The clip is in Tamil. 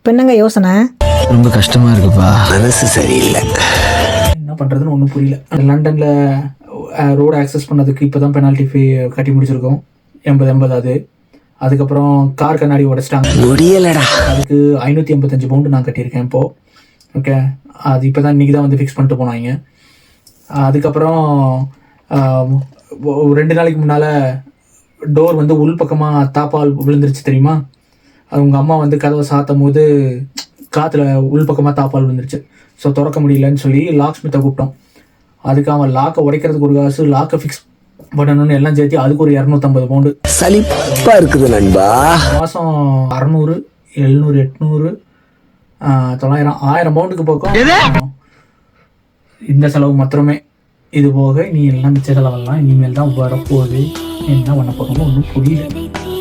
இப்போ என்னங்க யோசனை? ரொம்ப கஷ்டமா இருக்குப்பா, மனசு சரியில்லை. என்ன பண்ணுறதுன்னு ஒன்றும் புரியல. லண்டனில் ரோடு ஆக்சஸ் பண்ணதுக்கு இப்போ தான் பெனால்ட்டி ஃபீ கட்டி முடிச்சிருக்கோம். 80 அது. அதுக்கப்புறம் கார் கண்ணாடி உடைச்சிட்டாங்க, முடியலடா. அதுக்கு 585 பவுண்டு நான் கட்டியிருக்கேன் இப்போது. ஓகே, அது இப்போ தான் இன்றைக்கி தான் வந்து ஃபிக்ஸ் பண்ணிட்டு போனாங்க. அதுக்கப்புறம் 2 நாளைக்கு முன்னால் டோர் வந்து உள் பக்கமாக தாப்பால் விழுந்துருச்சு தெரியுமா? அது உங்கள் அம்மா வந்து கதவை சாத்தும் போது காற்றுல உள் பக்கமாக தாப்பால் விழுந்துருச்சு. ஸோ திறக்க முடியலன்னு சொல்லி லாக் ஸ்மித்தை கூப்பிட்டோம். அதுக்கு அவன் லாக்கை உடைக்கிறதுக்கு ஒரு காசு, லாக்கை ஃபிக்ஸ் பண்ணணும்னு எல்லாம் சேர்த்து அதுக்கு ஒரு 250 பவுண்டு. சலிப்பா இருக்குது நண்பா. மாதம் 600, 700, 800, 900, 1000 பவுண்டுக்கு பக்கம் இந்த செலவு மாத்திரமே. இது போக நீ எல்லாம் மிச்ச செலவெல்லாம் இனிமேல் தான் வரப்போகுது. என்ன பண்ண போகிறோமோ ஒன்றும் புரியல.